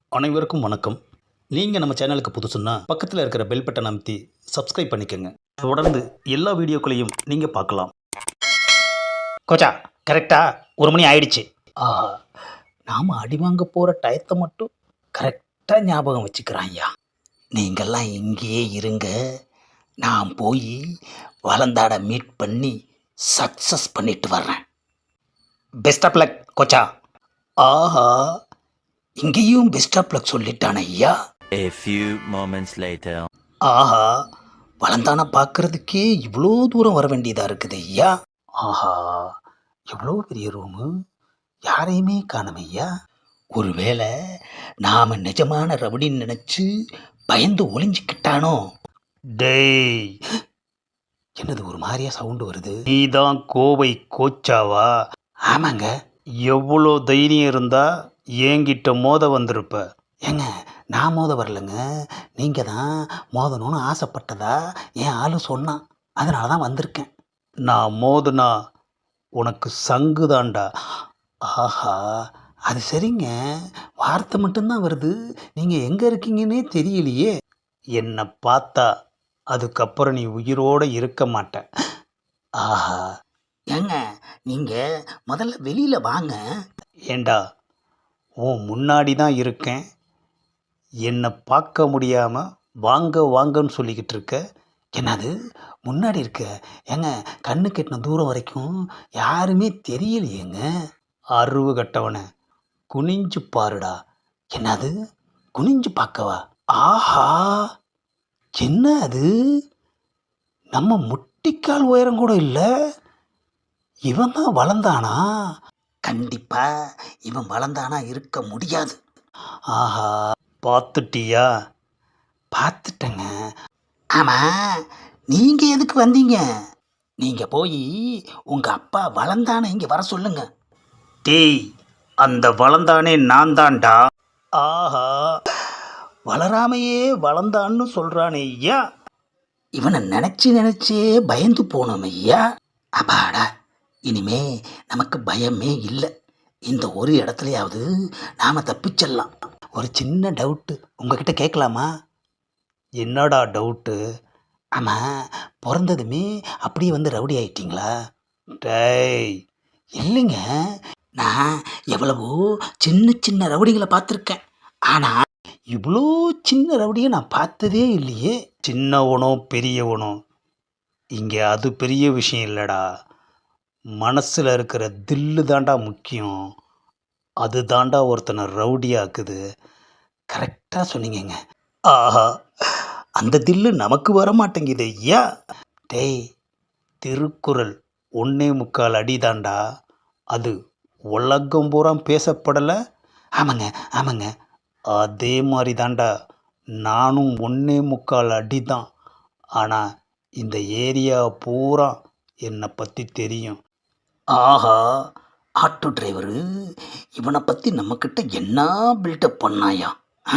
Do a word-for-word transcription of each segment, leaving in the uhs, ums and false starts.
அனைவருக்கும் வணக்கம். நீங்கள் நம்ம சேனலுக்கு புதுசுன்னா பக்கத்தில் இருக்கிற பெல் பட்டன் அமைத்தி சப்ஸ்கிரைப் பண்ணிக்கோங்க. தொடர்ந்து எல்லா வீடியோக்களையும் நீங்கள் பார்க்கலாம். கோச்சா, கரெக்டாக ஒரு மணி ஆயிடுச்சு. ஆஹா, நாம் அடி வாங்க போகிற டயத்தை மட்டும் கரெக்டாக ஞாபகம் வச்சுக்கிறான் ஐயா. நீங்கள்லாம் இங்கேயே இருங்க, நான் போய் வளந்தாட மீட் பண்ணி சக்ஸஸ் பண்ணிட்டு வர்றேன். பெஸ்ட் ஆஃப் லக் கோச்சா. ஆஹா, இங்கேயும் பெஸ்ட் ஆஃப் லக் சொல்லிட்டான ஐயா. A few moments later. ஆஹா, வளந்தான பார்க்கறதுக்கே இவ்வளோ தூரம் வர வேண்டியதாக இருக்குது ஐயா. ஆஹா, எவ்வளோ பெரிய ரூமு, யாரையுமே காணோம் ஐயா. ஒருவேளை நாம் நிஜமான ரவுடின்னு நினச்சி பயந்து ஒளிஞ்சிக்கிட்டானோ? டேய், என்னது ஒரு மாதிரியா சவுண்டு வருது? நீதான் கோவை கோச்சாவா? ஆமாங்க. எவ்வளோ தைரியம் இருந்தா என்கிட்ட மோத வந்திருப்ப. ஏங்க, நான் மோத வரலைங்க, நீங்கள் தான் மோதணும்னு ஆசைப்பட்டதா என் ஆளு சொன்னான், அதனால தான் வந்திருக்கேன். நான் மோதுனா உனக்கு சங்கு தாண்டா. ஆஹா, அது சரிங்க, வார்த்தை மட்டும்தான் வருது, நீங்கள் எங்கே இருக்கீங்கன்னே தெரியலையே. என்னை பார்த்தா அதுக்கப்புறம் நீ உயிரோடு இருக்க மாட்ட. ஆஹா, ஏங்க நீங்கள் முதல்ல வெளியில் வாங்க. ஏண்டா, உன் முன்னாடி தான் இருக்கேன், என்னை பார்க்க முடியாமல் வாங்க வாங்கன்னு சொல்லிக்கிட்டு இருக்க. என்னது முன்னாடி இருக்க? ஏங்க, கண்ணு கெட்டின தூரம் வரைக்கும் யாருமே தெரியலையேங்க. அருவு கட்டவனை குனிஞ்சு பாருடா. என்னது குனிஞ்சு பார்க்கவா? ஆஹா, என்ன அது, நம்ம முட்டிக்கால் உயரம் கூட இல்லை. இவன் தான் வளர்ந்தானா? கண்டிப்பா இவன் வளர்ந்தானா இருக்க முடியாது. ஆஹா, பார்த்துட்டியா? பார்த்துட்டேங்க. ஆமாம், நீங்கள் எதுக்கு வந்தீங்க? நீங்கள் போய் உங்கள் அப்பா வளர்ந்தானே இங்கே வர சொல்லுங்க. டேய், அந்த வளர்ந்தானே நான் தான்டா. ஆஹா, வளராமையே வளர்ந்தான்னு சொல்கிறானே ஐயா. இவனை நினச்சி நினச்சே பயந்து போனோம் ஐயா. அப்பாடா, இனிமே நமக்கு பயமே இல்லை. இந்த ஒரு இடத்துலையாவது நாம் தப்பிச்சிடலாம். ஒரு சின்ன டவுட்டு உங்ககிட்ட கேட்கலாமா? என்னடா டவுட்டு? ஆமாம், பிறந்ததுமே அப்படியே வந்து ரவுடி ஆயிட்டீங்களா? டேய், இல்லைங்க, நான் எவ்வளவோ சின்ன சின்ன ரவுடிகளை பார்த்துருக்கேன், ஆனால் இவ்வளோ சின்ன ரவுடியை நான் பார்த்ததே இல்லையே. சின்னவனோ பெரியவனோ இங்கே அது பெரிய விஷயம் இல்லைடா, மனசில் இருக்கிற தில்லு தாண்டா முக்கியம். அது தாண்டா ஒருத்தனை ரவுடியாக்குது. கரெக்டாக சொன்னீங்கங்க. ஆஹா, அந்த தில்லு நமக்கு வர மாட்டேங்குது ஐயா. டேய், திருக்குறள் ஒன்னே முக்கால் அடி தாண்டா, அது உலகம் பூரா பேசப்படலை. ஆமாங்க ஆமாங்க, அதே மாதிரி தாண்டா நானும் ஒன்னே முக்கால் அடி தான். ஆனால் இந்த ஏரியா பூரா என்னை பற்றி தெரியும். ஆஹா, ஆட்டோ டிரைவரு இவனை பற்றி நம்மக்கிட்ட என்ன பில்டப் பண்ணாயா?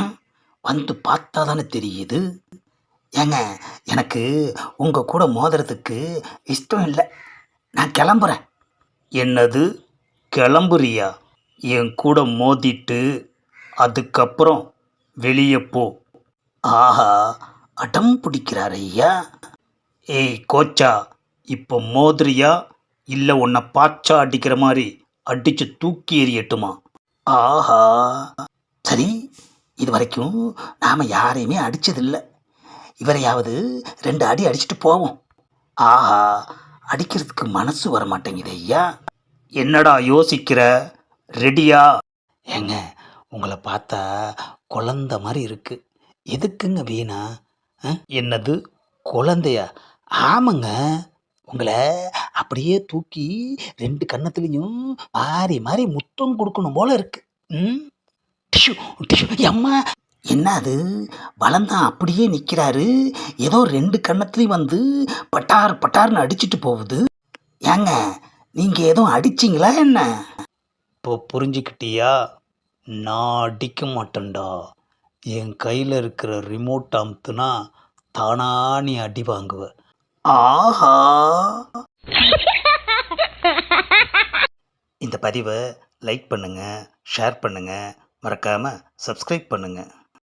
வந்து பார்த்தா தானே தெரியுது. ஏங்க, எனக்கு உங்கள் கூட மோதுறதுக்கு இஷ்டம் இல்லை, நான் கிளம்புறேன். என்னது கிளம்புறியா? என் கூட மோதிட்டு அதுக்கப்புறம் வெளியே போ. ஆஹா, அடம் பிடிக்கிறார் ஐயா. ஏய் கோச்சா, இப்போ மோதுறியா இல்லை உன்னை பாச்சா அடிக்கிற மாதிரி அடித்து தூக்கி எறியட்டுமா? ஆஹா, சரி, இது வரைக்கும் நாம் யாரையுமே அடித்ததில்லை, இவரையாவது ரெண்டு அடி அடிச்சுட்டு போவோம். ஆஹா, அடிக்கிறதுக்கு மனசு வர மாட்டேங்குது ஐயா. என்னடா யோசிக்கிற, ரெடியா? ஏங்க, உங்களை பார்த்தா குழந்த மாதிரி இருக்கு, எதுக்குங்க வீணா? என்னது குழந்தையா? ஆமாங்க, உங்களை அப்படியே தூக்கி ரெண்டு கன்னத்துலேயும் மாறி மாறி முத்தம் கொடுக்கணும் போல இருக்கு. ம், டிஷு டிஷு அம்மா. என்ன அது, வளர்ந்தான் அப்படியே நிற்கிறாரு, ஏதோ ரெண்டு கன்னத்துலேயும் வந்து பட்டார் பட்டார்னு அடிச்சுட்டு போகுது. ஏங்க, நீங்கள் எதுவும் அடிச்சிங்களா என்ன? இப்போ புரிஞ்சுக்கிட்டியா? நான் அடிக்க மாட்டேன்டா, என் கையில் இருக்கிற ரிமோட் அமுத்துனா தானா நீ அடி வாங்குவ. ஆஹா, இந்த பதிவை லைக் பண்ணுங்கள், ஷேர் பண்ணுங்கள், மறக்காமல் சப்ஸ்கிரைப் பண்ணுங்கள்.